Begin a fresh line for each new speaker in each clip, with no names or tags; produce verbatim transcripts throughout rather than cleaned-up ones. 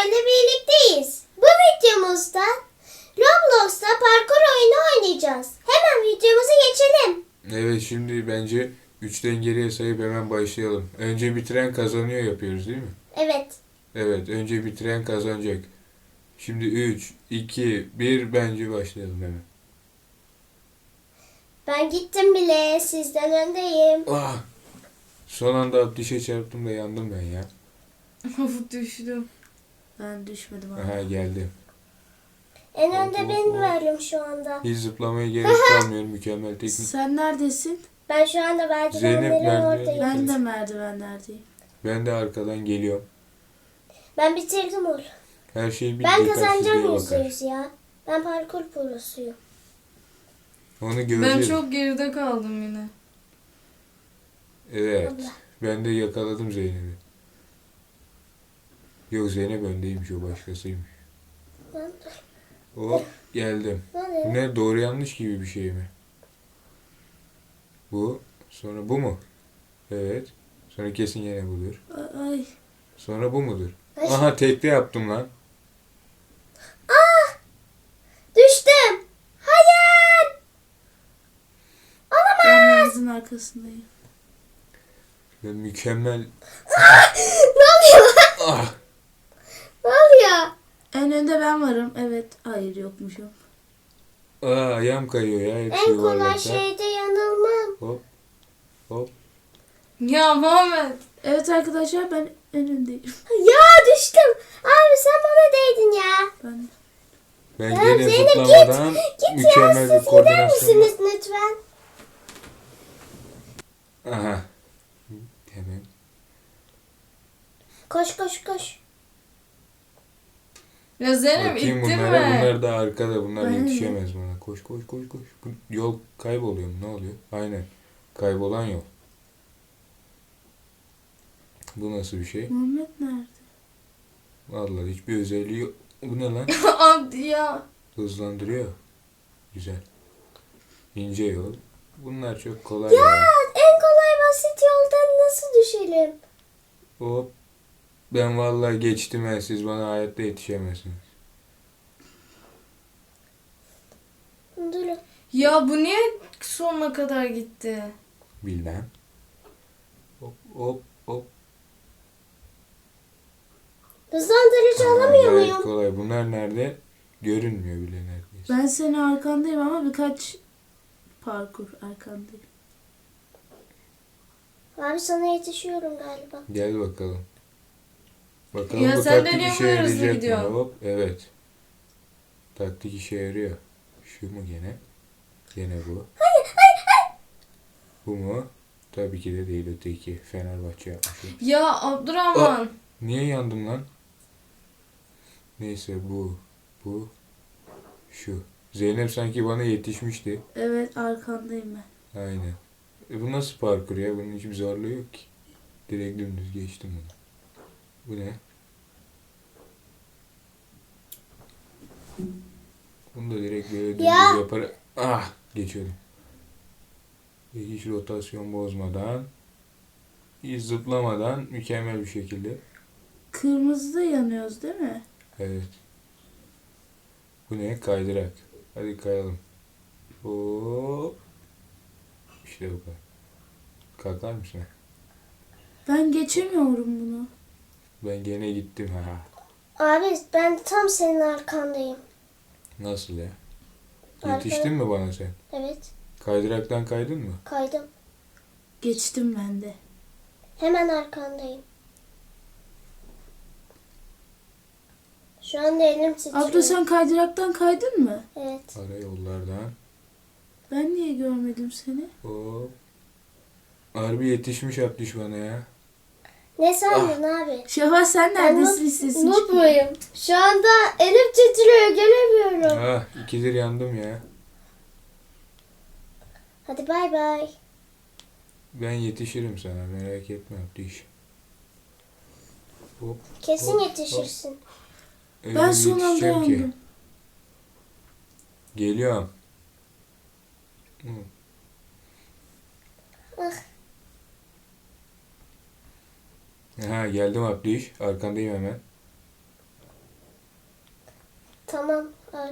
ile birlikteyiz. Bu videomuzda Roblox'ta parkur oyunu oynayacağız. Hemen videomuza geçelim.
Evet, şimdi bence üçten geriye sayıp hemen başlayalım. Önce bitiren kazanıyor yapıyoruz değil mi?
Evet.
Evet, önce bitiren kazanacak. Şimdi üç, iki, bir bence başlayalım hemen.
Ben gittim bile. Sizden öndeyim.
Ah! Son anda ateşe çarptım da yandım ben ya.
Of düştüm. Ben düşmedim abi.
Aha, geldim.
En
Hop,
önde
hop,
ben
hop.
varım şu anda.
Hiç zıplamaya gerek kalmıyor, mükemmel teknik.
Sen neredesin?
Ben şu anda
Zeynep
merdivenlerin
nerede?
oradayım.
Ben de merdivenlerdeyim.
Ben de arkadan geliyorum.
Ben bitirdim onu.
Her şey bir
Ben
dikkatsizliğe
kazanacağım yüzde
bakar.
yüz ya. Ben parkur prosuyum.
Onu
Ben
göreceğiz.
çok geride kaldım yine.
Evet.
Allah.
Ben de yakaladım Zeynep'i. Yok, Zeynep öndeymiş, o başkasıymış.
Ben,
Hop, geldim. Bu
ben,
ne, doğru yanlış gibi bir şey mi? Bu. Sonra bu mu? Evet. Sonra kesin yine budur.
Ay, ay.
Sonra bu mudur?
Ay.
Aha, tekte yaptım lan.
Düştüm. Hayır.
Ben denizin arkasındayım.
Ben mükemmel.
Ne oluyor?
Ah!
Ne oluyor?
En önde ben varım. Evet. Hayır yokmuşum.
Aa, ayağım kayıyor ya. Hepsi
En kolay
yuvarlakta.
şeyde yanılmam.
Hop. Hop.
Ya Muhammed. Evet arkadaşlar ben en öndeyim.
Ya düştüm. Abi sen bana değdin ya.
Ben
Ben
Ya
gene
Zeynep, git.
zıplamadan
Git ya,
mükemmel
siz
bir
gider
koordinasyon.
misiniz lütfen?
Aha. Hemen.
Koş koş koş.
Ya Zeynep
Bakayım
ittin
bunlara.
mi?
Bunlar da arkada. Bunlar
Ben de.
yetişemez bana. Koş koş koş koş. Bu yol kayboluyor mu? Ne oluyor? Aynen. Kaybolan yol. Bu nasıl bir şey?
Muhammed nerede?
Vallahi hiçbir özelliği yok. Bu ne lan?
Abi ya.
Hızlandırıyor. Güzel. İnce yol. Bunlar çok kolay
Ya
ya.
en kolay basit yoldan nasıl düşelim?
Hop. Ben vallahi geçtim ben. Siz bana hayatta yetişemezsiniz.
Durun.
Ya bu niye sonuna kadar gitti?
Bilmem. Hop hop hop.
Hızlandırıcı
Aa,
alamıyor
gayet
muyum?
kolay. Bunlar nerede? Görünmüyor bile neredeyse.
Ben senin arkandayım ama birkaç parkur arkandayım.
Abi sana yetişiyorum galiba.
Gel bakalım. Bakalım
Ya
bu
sen de
taktik
niye
işe
bu kadar hızlı
yarayacak mı?
gidiyorsun?
Hop. Evet. Taktik işe yarıyor. Şu mu gene? Gene bu.
Hayır hayır hayır.
Bu mu? Tabii ki de değil, öteki. Fenerbahçe yapmış. o.
Ya Abdurrahman.
Niye yandım lan? Neyse bu. Bu. Şu. Zeynep sanki bana yetişmişti.
Evet arkandayım ben.
Aynen. E bu nasıl parkur ya? Bunun hiçbir zorluğu yok ki. Direkt dümdüz geçtim bunu. Bu ne? Bunu da direkt böyle dümdüz
Ya.
yaparak... Ah! Geçiyordum. Ve hiç rotasyon bozmadan, hiç zıplamadan mükemmel bir şekilde.
Kırmızıda yanıyoruz değil mi?
Evet. Bu ne? Kaydırak. Hadi kayalım. Hop. İşte bu kadar. Kalkar mısın?
Ben geçemiyorum bunu.
Ben gene gittim ha.
Abi ben tam senin arkandayım.
Nasıl ya?
Arkada.
Yetiştin mi bana sen?
Evet
Kaydıraktan kaydın mı?
kaydım.
Geçtim ben de.
Hemen arkandayım. Şu anda elim titriyor.
Abla sen kaydıraktan kaydın mı?
Evet.
Ara yollardan.
Ben niye görmedim seni?
Hop. Harbi yetişmiş Abdüş bana ya.
Ne sandın abi?
Şevval sen
Ben
neredesin?
noob-
Sesin
noob
çıkıyor.
muyum? Şu anda elim titriyor göremiyorum.
Ah, ikidir yandım ya.
Hadi bay bay.
Ben yetişirim sana, merak etme Abdüş. Hop.
Kesin
hop,
yetişirsin.
Öyle
Ben
bir
son anda
yetişeceğim ki.
yandım.
Geliyorum. Hı.
Ah.
Ha, geldim Abdüş. Arkandayım hemen.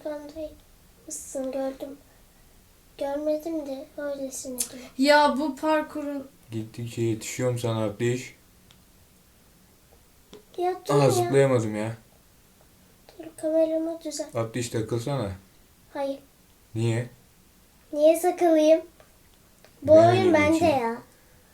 arkamdaymışsın gördüm. Görmedim de öylesine diyor.
Ya bu parkurun
Gittikçe yetişiyorum sana Abdiş.
Ya dur
Aa
ya.
zıplayamadım ya.
Dur kameramı düzelt.
Abdiş takılsana.
Hayır.
Niye?
Niye sakılayım? Bu
Ben
oyun
öyle
bende
geçeyim.
ya.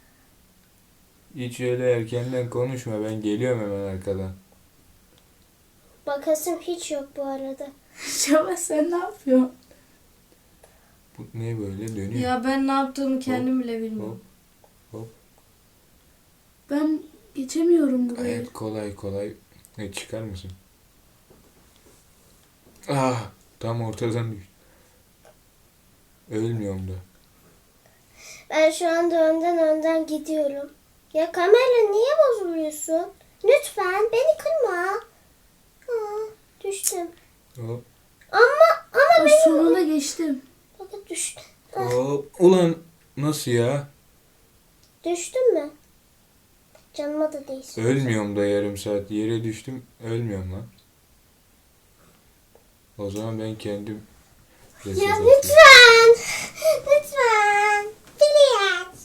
Hiç öyle erkenden konuşma. Ben geliyorum hemen arkadan.
Bakasım hiç yok bu arada.
Şevval sen ne yapıyorsun?
Bu ne böyle dönüyor?
Ya ben ne yaptığımı kendim bile bilmiyorum.
Hop hop.
Ben geçemiyorum burayı.
Gayet kolay kolay. Ne çıkar mısın? Ah tam ortadan düştü. Ölmüyorum da.
Ben şu anda önden önden gidiyorum. Ya kamera niye bozuluyorsun? Lütfen beni kırma. Aa, düştüm.
Hop
Ama ama
O
benim...
sonunda geçtim.
Bakın düştüm.
hop. Ulan nasıl ya?
Düştüm mü? Canıma da değsin.
Ölmüyorum da yarım saat. Yere düştüm. Ölmüyorum lan. O zaman ben kendim reset
Ya
atayım.
lütfen. Lütfen. Please.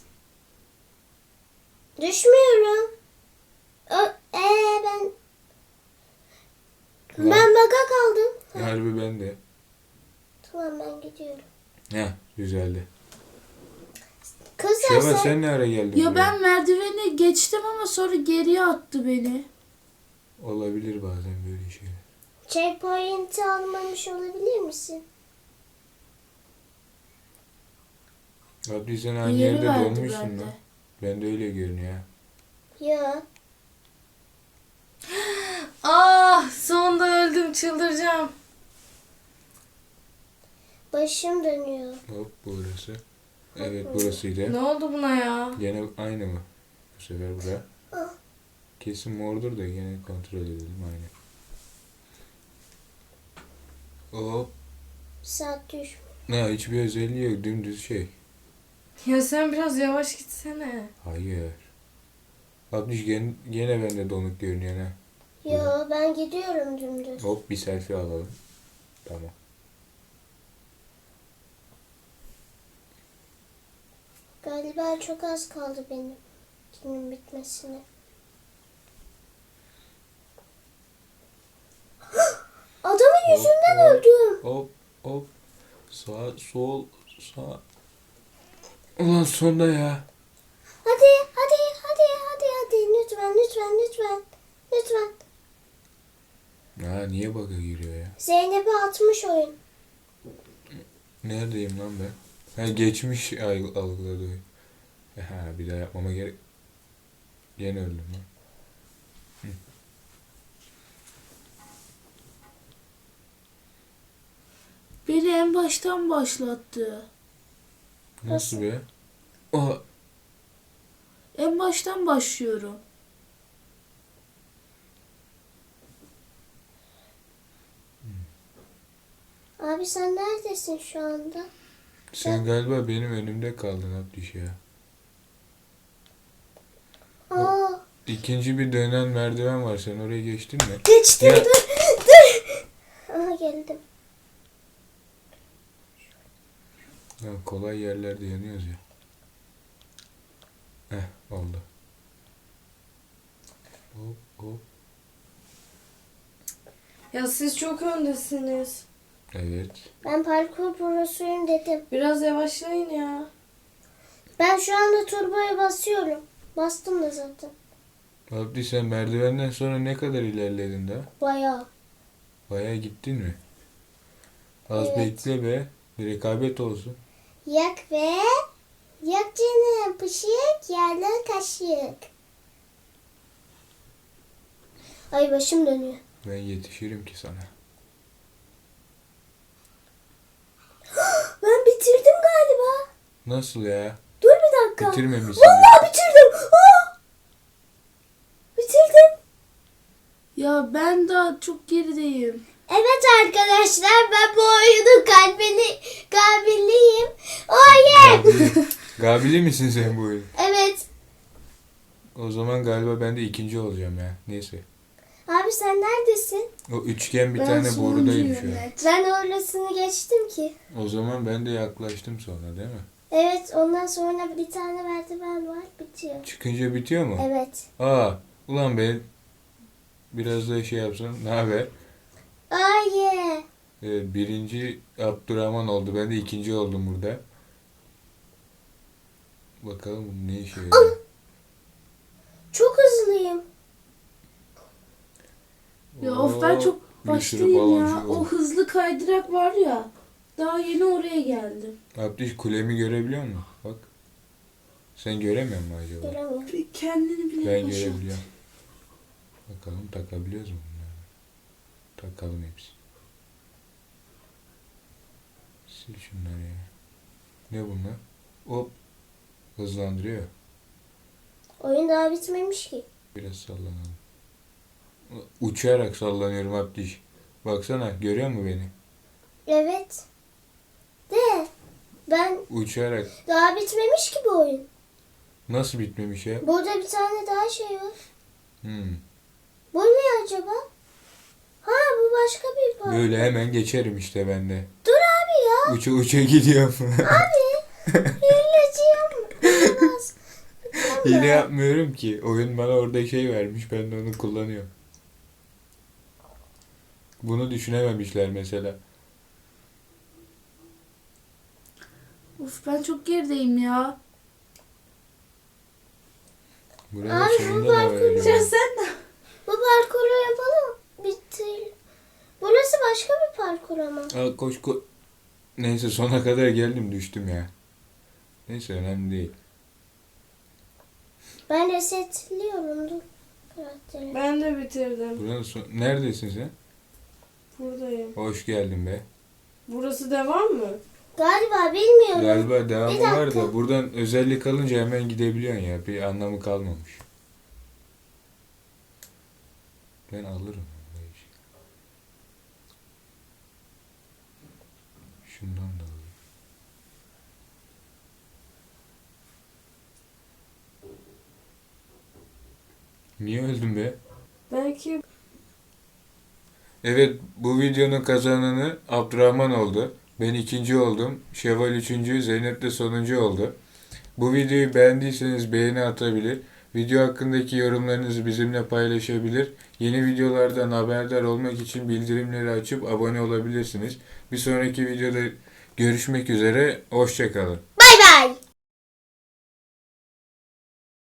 Düşmüyorum. Ö ee, ben...
Ulan.
Ben baka kaldım.
Harbi ben de.
Tamam ben gidiyorum.
Heh güzeldi.
Kızlar
Şevval
sen...
sen ne ara geldin
Ya
buraya?
ben merdiveni geçtim ama sonra geriye attı beni.
Olabilir bazen böyle şeyler.
Checkpoint'i almamış olabilir misin?
Abdi sen aynı
Yeri
yerde
verdi
donmuşsun
bende.
lan. Ben de öyle görünüyor ha.
Ya.
Ah sonunda öldüm çıldıracağım.
Başım dönüyor.
Hop burası. Evet burasıydı.
Ne oldu buna ya?
Gene aynı mı? Bu sefer bura.
Ah.
Kesin mordur da gene kontrol edelim aynı. Hop.
Saat düş.
Ne hiçbir özelliği yok dümdüz şey.
Ya sen biraz yavaş gitsene.
Hayır. Abdi gene, gene bende donuk görünüyor ha.
Yo ben gidiyorum dümdüz.
Hop bir selfie alalım. Tamam.
Galiba çok az kaldı benim günün bitmesine. Adamın
Hop,
yüzünden
hop.
öldüm.
Hop hop. Sağ sol sağ. Ulan sonda ya.
Hadi hadi hadi hadi hadi lütfen lütfen lütfen. Lütfen.
Ha niye bug'a giriyor ya?
Zeynep'e atmış oyun.
Neredeyim lan ben? Ha geçmiş alg- algıladı. Ha bir daha yapmama gerek. Yine öldüm lan. Hı.
Beni en baştan başlattı.
Nasıl be? Aa,
En baştan başlıyorum.
Abi sen neredesin şu anda?
sen galiba benim önümde kaldın Abdüş ya.
Aa,
İkinci bir dönen merdiven var. Sen oraya geçtin mi?
geçtim
Ya-
dur dur. Aha geldim.
Ha, kolay yerlerde yanıyoruz ya. Heh oldu. Hop hop.
Ya siz çok öndesiniz.
Evet.
Ben parkur prosuyum dedim.
Biraz yavaşlayın ya.
Ben şu anda turboya basıyorum. Bastım da zaten.
Abdi sen merdivenden sonra ne kadar ilerledin daha?
Bayağı.
Bayağı gittin mi? Az
Evet.
bekle be. Bir rekabet olsun.
Yak ve yak canım pışık yerler kaşık. Ay başım dönüyor.
Ben yetişirim ki sana.
Ben bitirdim galiba.
Nasıl ya?
Dur bir dakika.
Bitirmemişsin.
Vallahi bitirdim. Aa! Bitirdim.
Ya ben daha çok gerideyim.
Evet arkadaşlar ben bu oyunun kalbini kalbinliyim. Oh yeah.
Gabili, Gabili misin sen bu oyun?
Evet.
O zaman galiba ben de ikinci olacağım ya. Neyse.
Abi sen neredesin?
O üçgen bir
Ben
tane
sonuncuyum
borudayım şu an.
net.
Ben orasını geçtim ki.
O zaman ben de yaklaştım sonra değil mi?
Evet, ondan sonra bir tane merdiven var, bitiyor.
Çıkınca bitiyor mu?
Evet.
Aa, ulan ben biraz da şey yapsam. Ne haber?
Ay ye.
Ee, birinci Abdurrahman oldu. Ben de ikinci oldum burada. Bakalım bu ne işe yarıyor.
Çok hızlıyım.
Ya of ben çok
bir sürü
baştayım
baloncu
ya.
oldu.
O hızlı kaydırak var ya. Daha yeni oraya geldim.
Abdüş kulemi görebiliyor musun? Bak. Sen göremiyor musun acaba?
Göremiyorum.
Bir kendini bile
Ben
boşalt.
görebiliyorum. Bakalım takabiliyoruz mu bunları? Takalım hepsi. Sil şunları ya. Ne bunlar? Hop. Hızlandırıyor.
Oyun daha bitmemiş ki.
Biraz sallanalım. Uçarak sallanıyorum Abdüş. Baksana görüyor musun beni?
Evet. De. Ben
Uçarak.
daha bitmemiş ki bu oyun.
Nasıl bitmemiş ya?
Burada bir tane daha şey var.
Hmm.
Bu ne acaba? Ha, bu başka bir parkur.
Böyle hemen geçerim işte ben de.
Dur abi ya.
Uça uça gidiyorum.
Hileciğim. Olmaz.
Hile yapmıyorum ki. Oyun bana orada şey vermiş. Ben de onu kullanıyorum. Bunu düşünememişler mesela.
Of ben çok gerideyim ya.
Burada
Abi, bu
sonunda da var
parkur-
acaba?
Ya sen de.
Bu parkuru yapalım. Bitti. Burası başka bir parkur ama.
Aa, koş koş. Neyse sona kadar geldim düştüm ya. Neyse önemli değil.
Ben resetliyorum dur. Karakteri.
Ben de bitirdim.
Buranın son... Neredesin sen?
Buradayım.
Hoş geldin be.
Burası devam mı?
Galiba bilmiyorum.
Galiba devamı
Bir
var
dakika.
da buradan özellik alınca hemen gidebiliyorsun ya. Bir anlamı kalmamış. Ben alırım. Şundan da alayım. Niye öldün be?
Belki
Evet, bu videonun kazananı Abdurrahman oldu. Ben ikinci oldum. Şevval üçüncü, Zeynep de sonuncu oldu. Bu videoyu beğendiyseniz beğeni atabilir. Video hakkındaki yorumlarınızı bizimle paylaşabilir. Yeni videolardan haberdar olmak için bildirimleri açıp abone olabilirsiniz. Bir sonraki videoda görüşmek üzere. Hoşça kalın.